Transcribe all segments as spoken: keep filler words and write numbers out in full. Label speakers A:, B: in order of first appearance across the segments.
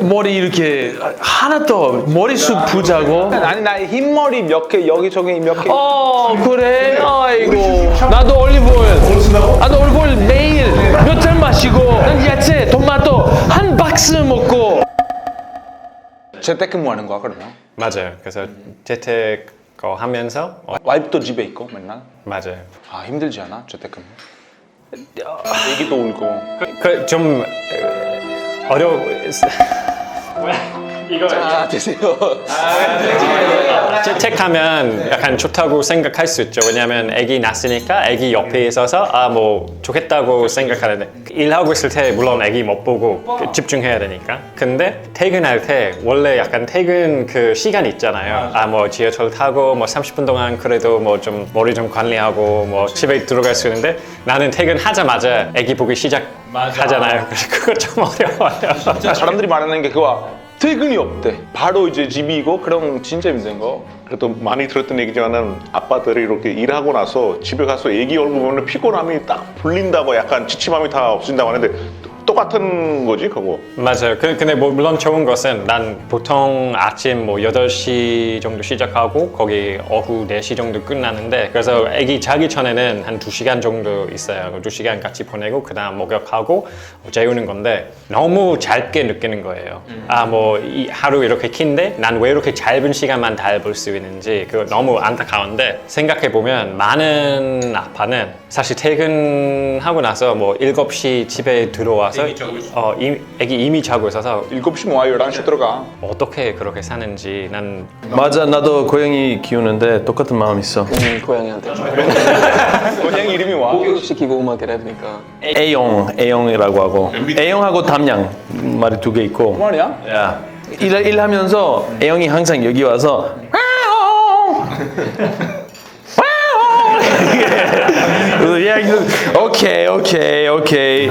A: 머리 이렇게 하나도 머리숱 부자고.
B: 아니 나 흰머리 몇 개 여기저기 몇 개.
A: 어 그래? 아이고 나도 올리브오일 나도 올리브오일 매일 몇 잔 마시고 난 야채 토마토 한 박스 먹고.
B: 재택근무하는 거야 그러면?
C: 맞아요. 그래서 재택 하면서 어,
B: 와이프도 집에 있고 맨날?
C: 맞아요.
B: 아 힘들지 않아 재택근무? 애기도 울고.
C: 그 좀 어려. 이거
B: 자 드세요.
C: 재택하면 약간 좋다고 생각할 수 있죠. 왜냐하면 아기 낳았으니까 아기 옆에 있어서 아 뭐 좋겠다고 생각하는데 일하고 있을 때 물론 아기 못 보고 집중해야 되니까. 근데 퇴근할 때 원래 약간 퇴근 그 시간 있잖아요. 아 뭐 지하철 타고 뭐 삼십 분 동안 그래도 뭐 좀 머리 좀 관리하고 뭐 집에 들어갈 수 있는데 나는 퇴근하자마자 아기 보기 시작하잖아요. 그래서 그거 좀 어려워요.
B: 진짜 사람들이 말하는 게 그거 퇴근이 없대. 바로 이제 집이고 그럼 진짜 힘든 거.
D: 그래도 많이 들었던 얘기지만은 아빠들이 이렇게 일하고 나서 집에 가서 애기 얼굴 보면 피곤함이 딱 풀린다고 약간 지침함이 다 없어진다고 하는데 똑같은 거지 그거?
C: 맞아요. 그- 근데 뭐 물론 좋은 것은 난 보통 아침 뭐 여덟 시 정도 시작하고 거기 오후 네 시 정도 끝나는데 그래서 아기 자기 전에는 한 두 시간 정도 있어요. 두 시간 같이 보내고 그 다음 목욕하고 재우는 건데 너무 짧게 느끼는 거예요. 아 뭐 하루 이렇게 긴데 난 왜 이렇게 짧은 시간만 다 볼 수 있는지 그거 너무 안타까운데 생각해보면 많은 아빠는 사실 퇴근하고 나서 뭐 일곱 시 집에 들어와서 어, 이, 애기 이미 자고 있어서
B: 일곱 시 모아 열한 시 들어가.
C: 어떻게 그렇게 사는지 난
A: 맞아 나도 고양이 키우는데 똑같은 마음 있어.
E: 음, 고양이한테
B: 고양이 이름이 와.
E: 교육시키고 막 이래야 되니까.
A: A용 A용이라고 하고 A용하고 담양 말이 두 개 있고.
B: 말이야?
A: 야 일, 일하면서 A용이 항상 여기 와서 그래서 야 이거 오케이 오케이 오케이.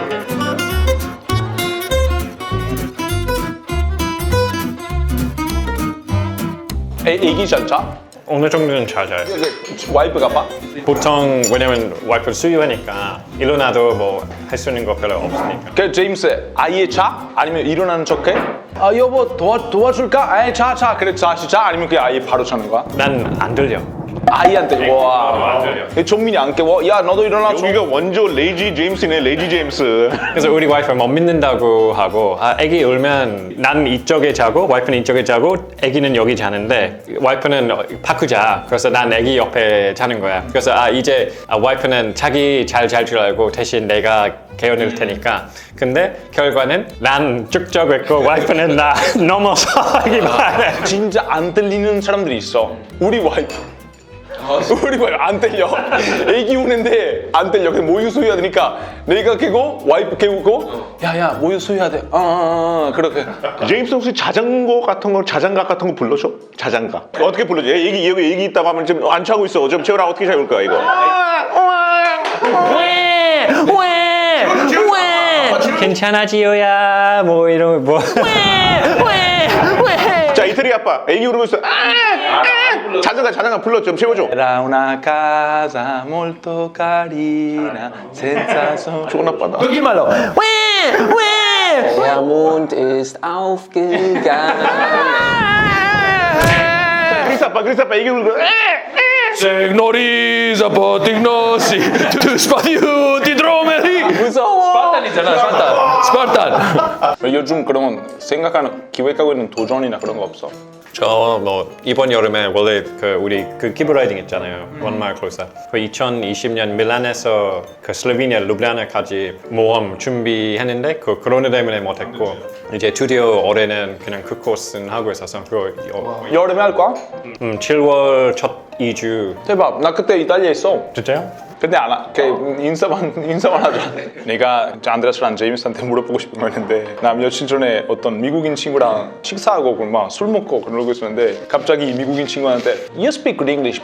B: 애, 애기 잘 자?
C: 어느 정도는 잘 자요.
B: 와이프가 봐?
C: 보통 왜냐면 와이프 수유하니까 일어나도 뭐 할 수 있는 거 별로 없으니까.
B: 그 제임스 아예 자? 아니면 일어나는 척해? 아 여보 도와, 도와줄까? 아예 자 자. 그래 자 자. 아니면 그냥 아예 바로 자는 거야?
C: 난 안 들려.
B: 아이한테 와.
C: 안 들려.
B: 정민이 안 깨워? 야 너도 일어나.
D: 여기가 원조 레이지 제임스네 레이지 제임스.
C: 그래서 우리 와이프 못 믿는다고 하고 아, 애기 울면 난 이쪽에 자고 와이프는 이쪽에 자고 애기는 여기 자는데 와이프는 바꾸자. 그래서 난 애기 옆에 자는 거야. 그래서 아 이제 아, 와이프는 자기 잘 잘 줄 알고 대신 내가 개어낼 테니까. 근데 결과는 난 쭉 자고 있고 와이프는 나 넘어서 하기만 해.
B: 진짜 안 들리는 사람들이 있어. 우리 와이프. 우리 와이프 안 들려. 애기 우는데 안 들려. 그래서 모유 수유해야 되니까 내가 깨고 와이프 깨우고 야야 모유 수유해야 돼. 어, 어, 어 그렇게.
D: 제임스 혹시 자전거 같은 거 자장가 같은 거 불러줘? 자장가. 어떻게 불러줘? 얘기 여기 얘기 있다고 하면 지금 안 차고 있어. 좀 채우라 어떻게 채울 거야 이거?
A: 왜? 왜? 왜?
C: 괜찮아 지효야 뭐 이런 뭐
D: 자 이태리 아빠 애기 울고 있어. 아, 아, 자장가 자장가 불러 좀 채워줘.
B: Era una casa molto carina senza so.
D: 좋은 아빠다.
A: 여기 말로. 왜? 왜?
E: Der Mond ist aufgegangen.
D: 크리스 아빠 크리스 아빠 애기 울고.
A: Segnoriza potignosi tu spadiuti dromeri.
B: 무서워.
A: 스파르탄이잖아 스파르탄. 스파르탄.
B: 요즘 그런 생각하는 기획하고 있는 도전이나 그런 거 없어?
C: 저 뭐 이번 여름에 원래 그 우리 그 키브라이딩 있잖아요. 원마을 골사. 그 이천이십 년 밀란에서 그 슬로베니아 루블리아나까지 모험 준비했는데 그 코로나 때문에 못했고 이제 드디어 올해는 그냥 그 코스는 하고 있어서 그
B: 여름에 할 거야?
C: 음, 칠월 첫 이 주.
B: 대박. 나 그때 이탈리아에 있어.
C: 진짜요?
B: 근데 안 하. 그 인사만 인사만 하자. 내가 안드레스랑 제임스한테 물어보고 싶은 거 있는데 나 며칠 전에 어떤 미국인 친구랑 식사하고 막 술 먹고 그러고 있었는데 갑자기 미국인 친구한테 You speak good English, but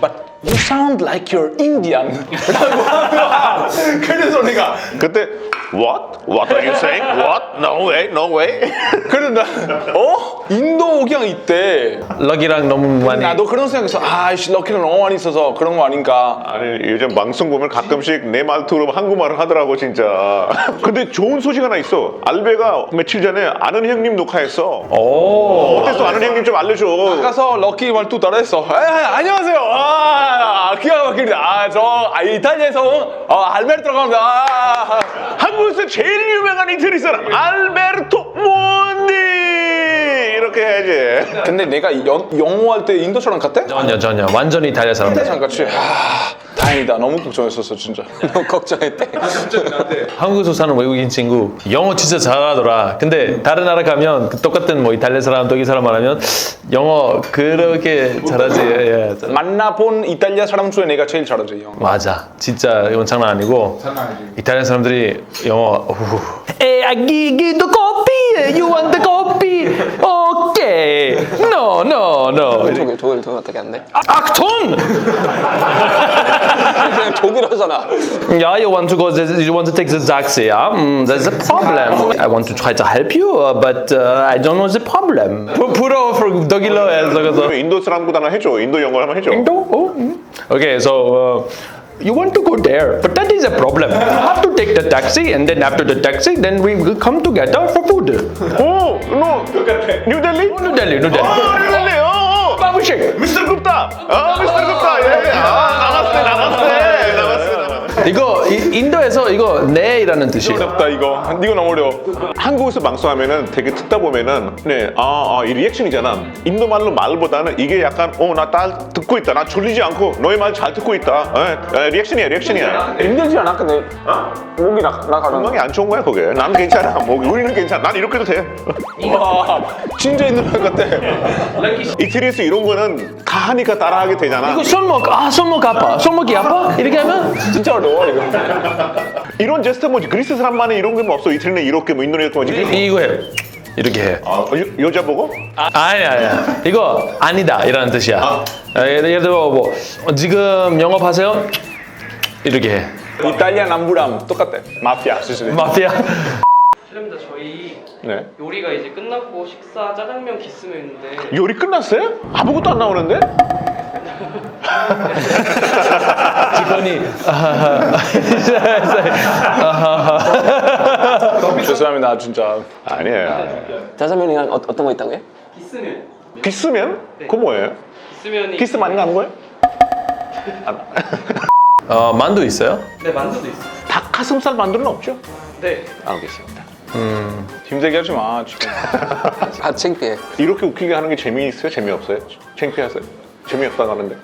B: You sound like you're Indian. 라고 하더라. 그래서 내가
D: 그때 What? What are you saying? What? No way, no way.
B: 그래서 나 어? 인도 오경 있대.
A: 럭이랑 너무 많이.
B: 나도 그런 생각했어. 아이씨 럭키는 너무 많이 있어서 그런 거 아닌가.
D: 아니 요즘 방송 보면 가끔씩 내 말투로 한국말을 하더라고 진짜. 근데 좋은 소식 하나 있어. 알베가 며칠 전에 아는 형님 녹화했어.
A: 오.
D: 어땠어? 아는 형님 좀 알려줘.
B: 가서 럭키 말투 따라했어. 에, 안녕하세요. 아, 기가 막힙니다. 아, 저 아, 이탈리아에서 온 어, 알베르토라고 합니다. 아,
D: 한국에서 제일 유명한 이태리 사람 알베르토 몬디 이렇게 해야지.
B: 근데 내가 연, 영어 할 때 인도처럼 같대?
A: 전혀 전혀 완전히 이탈리아 사람.
B: 인도처럼 같이. 아, 다행이다. 너무 걱정했었어 진짜.
E: 너무 걱정했대.
A: 한국에서 사는 외국인 친구 영어 진짜 잘하더라. 근데 다른 나라 가면 그 똑같은 뭐 이탈리아 사람, 독일 사람 말하면 영어 그렇게 잘하지. 예, 예.
B: 만나본 이탈리아 사람 중에 내가 제일 잘하지 영어.
A: 맞아. 진짜 이건 장난 아니고. 이탈리아 사람들이 영어. Hey, I give you the coffee. You want the coffee? Okay. No, no, no.
E: 독일 독일 독일 어떻게 안 돼?
A: 악톤!
E: 그냥 독일어잖아.
A: Yeah, you want to go. You want to take the taxi? Yeah, mm, there's a problem. I want to try to help you, uh, but uh, I don't know the problem. Put over 독일어 해서.
D: 인도 사람보다는 해줘. 인도 영어 한번 해줘.
A: Oh, mm. Okay, so. Uh, You want to go there, but that is a problem. You have to take the taxi, and then after the taxi, then we will come together for food.
D: 오, 너 뉴델리?
A: New Delhi, New Delhi.
D: 아, 뉴델리. 어.
A: Babu Sheikh.
D: 미스터 굽다. 아, 미스터 굽다. 예. 아, 나갔어, 나갔어, 나갔어.
A: 이거 이, 인도에서 이거 네이라는 뜻이에요.
B: 어렵다 이거. 이거 너무 어려워.
D: 한국에서 방송하면은 되게 듣다 보면은 네, 아, 아, 이 리액션이잖아. 인도 말로 말보다는 이게 약간 어, 나 딱 듣고 있다. 나 졸리지 않고 너의 말 잘 듣고 있다. 에, 에, 리액션이야, 리액션이야.
B: 힘들지 않아? 근데 목이 나, 나가는
D: 건강이 안 좋은 거야, 그게. 나는 괜찮아. 뭐 우리는 괜찮아. 난 이렇게 해도 돼.
B: 와, 진짜 있는 말 같아.
D: 이태리에서 이런 거는 다 하니까 따라하게 되잖아.
A: 이거 손목 아 손목 아파. 손목이 아파? 이렇게 하면
B: 진짜 어려워 이거.
D: 이런 제스처 뭐지? 그리스 사람만의 이런 게 뭐 없어. 이태리는 이렇게 뭐 인도네시아 뭐지?
A: 이거 해. 이렇게 해.
D: 아, 여, 여자 보고?
A: 아, 아니 아니야. 이거 아니다 이라는 뜻이야. 아. 예를 들어 뭐 어, 지금 영업하세요? 이렇게 해.
B: 이탈리아 남부랑 똑같아. 마피아 수준이.
A: 마피아.
F: 실례합니다. 저희
D: 네.
F: 요리가 이제 끝났고 식사 짜장면 기스면인데
D: 요리 끝났어요? 아무것도 안 나오는데?
A: 직원이 아하하. 아하하.
B: 죄송합니다 진짜.
D: 아니에요.
E: 짜장면이랑 어, 어떤 거 있다고요?
F: 기스면
D: 기스면? 그거 뭐예요?
F: 기스면이
D: 기스 많이 가는 거예요?
A: 어 만두 있어요?
F: 네 만두도 있어요.
D: 닭가슴살 만두는 없죠?
F: 네.
D: 알겠습니다.
B: 힘들게 하지 마 지금.
E: 아 창피해.
D: 이렇게 웃기게 하는 게 재미있어요? 재미없어요? 창피하세요? 재미없다고 하는데.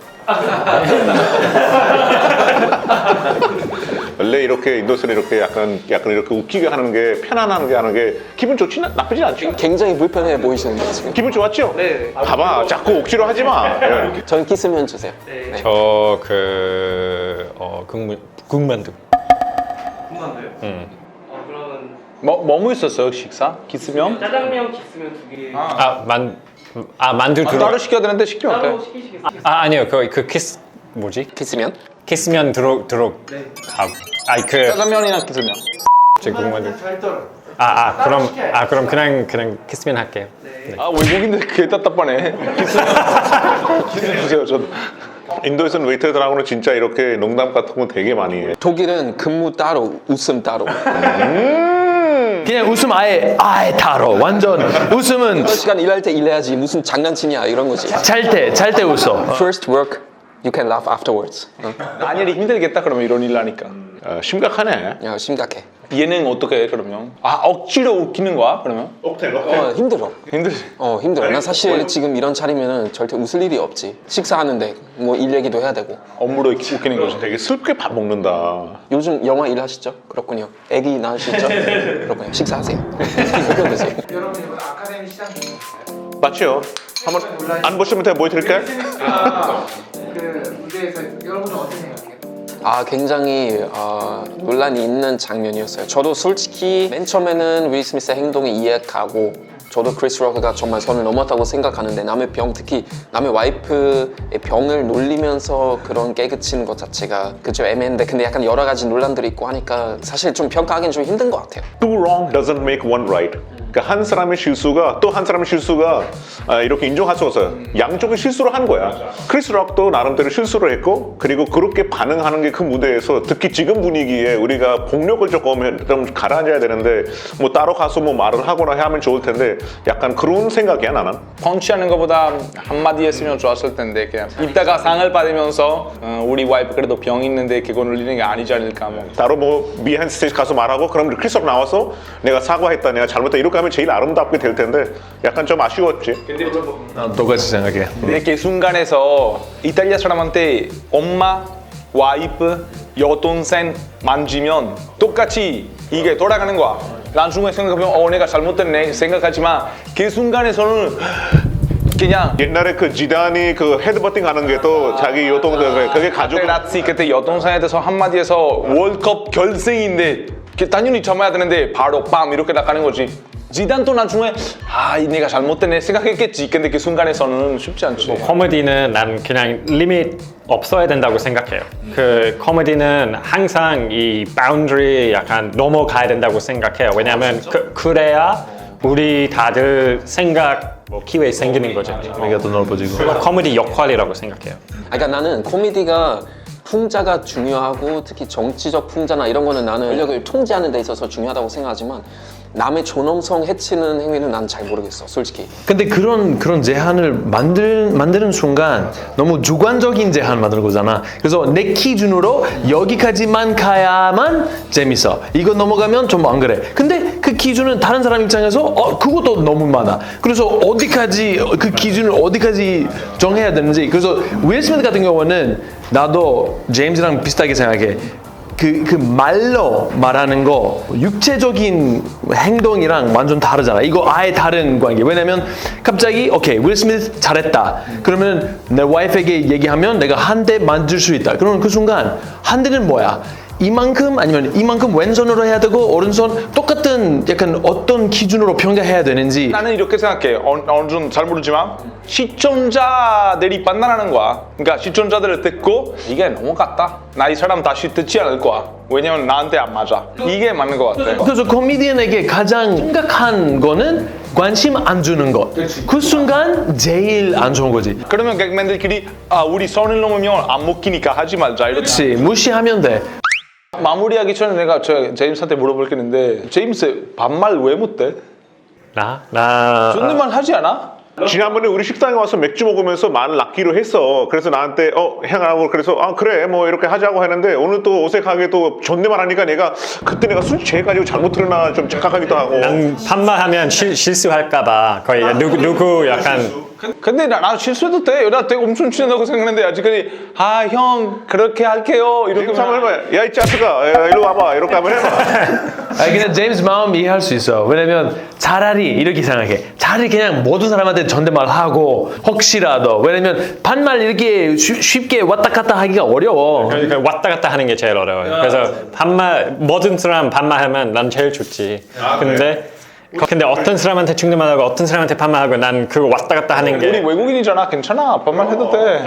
D: 원래 이렇게 인도에서는 이렇게 약간 약간 이렇게 웃기게 하는 게 편안하게 하는 게 기분 좋지 나, 나쁘진 않죠?
E: 굉장히 불편해 보이시는데 지금.
D: 기분 좋았죠?
F: 네.
D: 봐봐 자꾸 억지로 하지 마. 예.
E: 저는 기스면 주세요.
F: 네.
C: 저 그 어, 국물 국만두.
F: 궁금한데요?
C: 음.
F: 어 그러면
B: 뭐 뭐뭐 있었어요 식사? 기스면?
F: 짜장면 기스면 두 개.
C: 아, 만 아, 만두
B: 아,
C: 들어.
B: 따로 시켜야 되는데 시키면
F: 따로
B: 어때?
F: 시키시겠어요?
C: 아, 아니요. 그, 그 키스 뭐지?
E: 기스면?
C: 키스면 들어 들어
F: 네.
C: 가. 아이 그
B: 짜장면이나 기스면.
C: 제 국만두. 아, 아, 그럼 아, 그럼 그냥 그냥 키스면 할게요.
B: 아 외국인들 그게 답답하네. 기스면. 기스면 주세요 저도.
D: 인도에서는 웨이터들하고는 진짜 이렇게 농담 같은 거 되게 많이 해.
E: 독일은 근무 따로, 웃음 따로.
A: 그냥 웃음 아예 아예 타로. 완전 웃음은
E: 몇 시간 일할 때 일해야지 무슨 장난치냐 이런 거지.
A: 잘 때 잘 때 웃어.
E: First work, you can laugh afterwards. 응.
B: 아니리 힘들겠다 그러면 이런 일 하니까.
D: 어, 심각하네.
E: 야 심각해.
B: 얘는 어떻게 해 그러면? 아 억지로 웃기는 거야 그러면?
D: 억텐
E: 어 힘들어.
B: 힘들지.
E: 어 힘들어. 나 사실 지금 이런 차리면은 절대 웃을 일이 없지. 식사하는데 뭐 일 얘기도 해야 되고.
B: 업무로 웃기는 거지.
D: 되게 슬프게 밥 먹는다.
E: 요즘 영화 일 하시죠? 그렇군요. 애기 낳으시죠? 그렇군요. 식사하세요. 이거 드세요.
G: 여러분 이번 아카데미 시장
D: 맞죠? 한번 안 보시면 제가 보여드릴까요?
G: 그 무대에서 여러분은 어떻게 생각해요?
E: 아 굉장히 어, 논란이 있는 장면이었어요. 저도 솔직히 맨 처음에는 윌 스미스의 행동이 이해가고 저도 크리스 록가 정말 선을 넘었다고 생각하는데 남의 병, 특히 남의 와이프의 병을 놀리면서 그런 깨그치는 것 자체가 그죠 애매한데 근데 약간 여러 가지 논란들이 있고 하니까 사실 좀 평가하기는 좀 힘든 것 같아요.
D: Two wrong doesn't make one right. 그러니까 한 사람의 실수가 또 한 사람의 실수가 아, 이렇게 인정할 수 없어요. 양쪽이 실수를 한 거야. 크리스 록도 나름대로 실수를 했고 그리고 그렇게 반응하는 게 그 무대에서 특히 지금 분위기에 우리가 폭력을 조금 좀 가라앉아야 되는데 뭐 따로 가서 뭐 말을 하거나 하면 좋을 텐데 약간 그런 생각이야 나는.
B: 펀치하는 것보다 한마디 했으면 좋았을 텐데 그냥 이따가 상을 받으면서 어, 우리 와이프 그래도 병 있는데 그거 놀리는 게 아니지 않을까 뭐.
D: 따로 뭐 비하인드 스테이지 가서 말하고 그럼 크리스 록 나와서 내가 사과했다 내가 잘못했다 이렇게 하면 제일 아름답게 될 텐데 약간 좀 아쉬웠지.
A: 난 똑같이 생각해.
B: 근데 그 순간에서 이탈리아 사람한테 엄마, 와이프, 여동생 만지면 똑같이 이게 돌아가는 거야. 나중에 생각하면 어 내가 잘못됐네 생각하지만 그 순간에서는 그냥
D: 옛날에 그 지단이 그 헤드버팅 하는 게 또 자기 여동생 그게 가족
B: 라치 그때 여동생에 대해서 한마디 해서 월컵 결승인데 당연히 참아야 되는데 바로 빰 이렇게 나가는 거지. 지단도 나중에 아 내가 잘못됐네 생각했겠지. 근데 그 순간에서는 쉽지 않지.
C: 코미디는 난 그냥 리밋 없어야 된다고 생각해요. 그 코미디는 항상 이 바운더리 약간 넘어가야 된다고 생각해요. 왜냐하면 그, 그래야 우리 다들 생각 뭐 기회 생기는 거죠.
A: 우리가 더 넓어지고.
C: 그거 코미디 역할이라고 생각해요.
E: 그러니까 나는 코미디가 풍자가 중요하고 특히 정치적 풍자나 이런 거는 나는 권력을 통제하는 데 있어서 중요하다고 생각하지만 남의 존엄성 해치는 행위는 난 잘 모르겠어 솔직히.
A: 근데 그런 그런 제한을 만들 만드는 순간 너무 주관적인 제한 만드는 거잖아. 그래서 내 기준으로 여기까지만 가야만 재밌어. 이거 넘어가면 좀 안 그래. 근데 그 기준은 다른 사람 입장에서 어 그것도 너무 많아. 그래서 어디까지 그 기준을 어디까지 정해야 되는지. 그래서 윌 스미스 같은 경우는 나도 제임스랑 비슷하게 생각해. 그, 그 말로 말하는 거 육체적인 행동이랑 완전 다르잖아. 이거 아예 다른 관계. 왜냐면 갑자기 오케이 윌 스미스 잘했다. 그러면 내 와이프에게 얘기하면 내가 한 대 만질 수 있다. 그러면 그 순간 한 대는 뭐야? 이만큼 아니면 이만큼 왼손으로 해야 되고 오른손 똑같은 약간 어떤 기준으로 평가해야 되는지.
B: 나는 이렇게 생각해. 어, 어느 정도 잘 모르지만 시청자들이 판단하는 거야. 그러니까 시청자들을 듣고 이게 넘어갔다. 나 이 사람 다시 듣지 않을 거야. 왜냐면 나한테 안 맞아. 이게 맞는 것 같아.
A: 그래서 코미디언에게 가장 심각한 거는 관심 안 주는 것. 그 순간 제일 안 좋은 거지.
B: 그러면 개그맨들끼리 아 우리 선을 넘으면 안 먹히니까 하지 말자. 이렇게.
A: 그렇지. 무시하면 돼.
B: 마무리하기 전에 내가 저 제임스한테 물어볼 게 있는데 제임스 반말 왜 못해?
C: 나? 나...
B: 존댓말 하지 않아?
D: 지난번에 우리 식당에 와서 맥주 먹으면서 말을 낚기로 했어. 그래서 나한테 어 행하라고 그래서 아 그래 뭐 이렇게 하자고 했는데 오늘 또 어색하게 또 존댓말 하니까 내가 그때 내가 술 취해가지고 잘못 들었나 좀 착각하기도 하고.
C: 난 반말하면 실, 실수할까봐 거의 누구, 누구 약간
B: 근데 나, 나 실수해도 돼. 나 되게 엄청 친하다고 생각했는데 아직까지 아 형 그렇게 할게요 이렇게
D: 한번 해봐. 야 이 짜스가 야, 이리 와봐 이렇게 한번 해봐.
A: 아니 그냥 제임스 마음 이해할 수 있어. 왜냐면 차라리 이렇게 생각해. 차라리 그냥 모든 사람한테 존댓말 하고 혹시라도 왜냐면 반말 이렇게 쉬, 쉽게 왔다 갔다 하기가 어려워.
C: 그러니까 왔다 갔다 하는 게 제일 어려워요. 그래서 반말 모든 사람 반말하면 난 제일 좋지. 근데 근데 어떤 사람한테 존댓말하고 어떤 사람한테 반말하고 난 그거 왔다 갔다 하는 게
B: 우리 외국인이잖아. 괜찮아. 반말 해도 돼.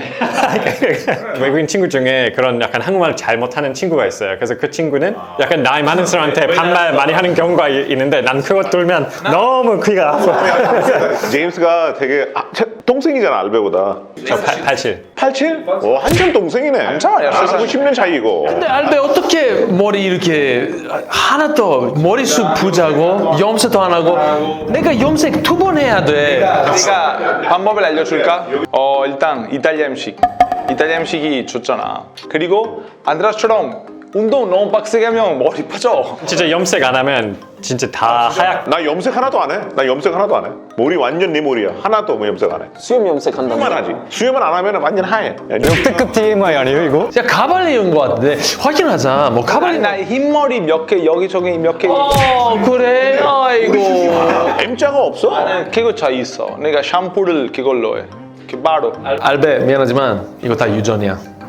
C: 외국인 친구 중에 그런 약간 한국말 잘 못하는 친구가 있어요. 그래서 그 친구는 약간 나이 많은 사람한테 반말 많이 하는 경우가 이- 있는데 난 그거 들면 너무 귀가 아파.
D: 제임스가 되게 아, 제- 동생이잖아 알베보다.
C: 저 팔십칠.
B: 팔십칠?
D: 어 한참 동생이네.
B: 한참, 야,
D: 나하고 십 년 차이고.
A: 근데 알베 어떻게 머리 이렇게 하나도 머리숱 부자고 염색도 안 하고 내가 염색 두 번 해야 돼.
B: 내가 방법을 알려줄까? 어 일단 이탈리아 음식. 이탈리아 음식이 좋잖아. 그리고 안드라스처럼 운동 너무 빡세게 하면 머리 빠져.
C: 진짜 염색 안 하면 진짜 다 하얗.
D: 나 염색 하나도 안 해. 나 염색 하나도 안 해. 머리 완전 내 머리야. 하나도 뭐 염색 안 해.
E: 수염 염색한다는
D: 수염만 하지. 수염만 안 하면 완전 하얘.
C: 역대급 티엠아이 아니에요 이거?
A: 진짜 가발리온 것 같은데 확인하자. 뭐 가발리.
B: 나 흰머리 몇 개 여기저기 몇 개.
A: 어 그래. 아이고.
D: M자가 없어.
B: 그거 차 있어. 내가 샴푸를 그걸로 해. 그 바로.
A: 알베 미안하지만 이거 다 유전이야.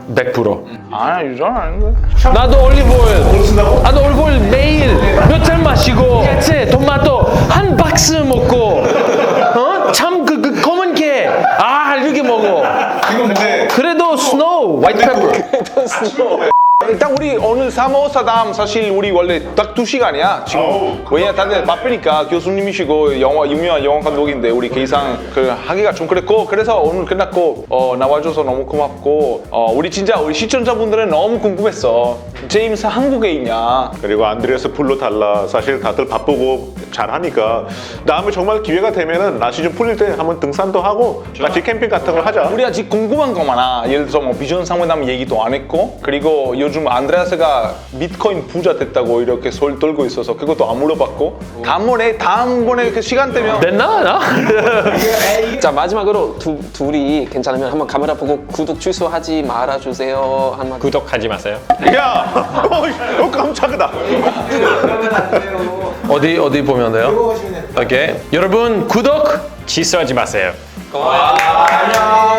A: 백 퍼센트.
B: 아 유전 아닌데.
A: 나도 올리브오일. 나도 올리브오일 매일 몇 잔 마시고 야채, 토마토 한 박스 먹고 어? 참 그 그 검은 게 아 이렇게 먹어. 그래도 스노우, 화이트 페퍼.
B: 일단 우리 오늘 사모사담 사실 우리 원래 딱 두 시간이야 지금. 왜냐 다들 바쁘니까 교수님이시고 영화 유명한 영화 감독인데 우리 계산 그 하기가 좀 그랬고 그래서 오늘 끝났고 어, 나와줘서 너무 고맙고 어, 우리 진짜 우리 시청자분들은 너무 궁금했어. 제임스 한국에 있냐?
D: 그리고 안드레아스 불러달라. 사실 다들 바쁘고 잘하니까 다음에 정말 기회가 되면은 날씨 좀 풀릴 때 한번 등산도 하고 같이 캠핑 같은 걸 하자.
B: 우리 아직 궁금한 거 많아. 예를 들어서 뭐 비전 상회담 얘기도 안 했고 그리고 요즘 안드레아스가 비트코인 부자 됐다고 이렇게 소리 떨고 있어서 그것도 안 물어봤고 다음번에 다음번에 그 시간 되면
A: 됐나 나?
E: 자 마지막으로 두, 둘이 괜찮으면 한번 카메라 보고 구독 취소하지 말아주세요 한마디.
C: 구독하지 마세요.
D: 야, 어, 깜짝이다.
A: 어디 어디 보면 돼요? 오케이. 여러분 구독.
C: 취소하지 마세요.
F: 안녕.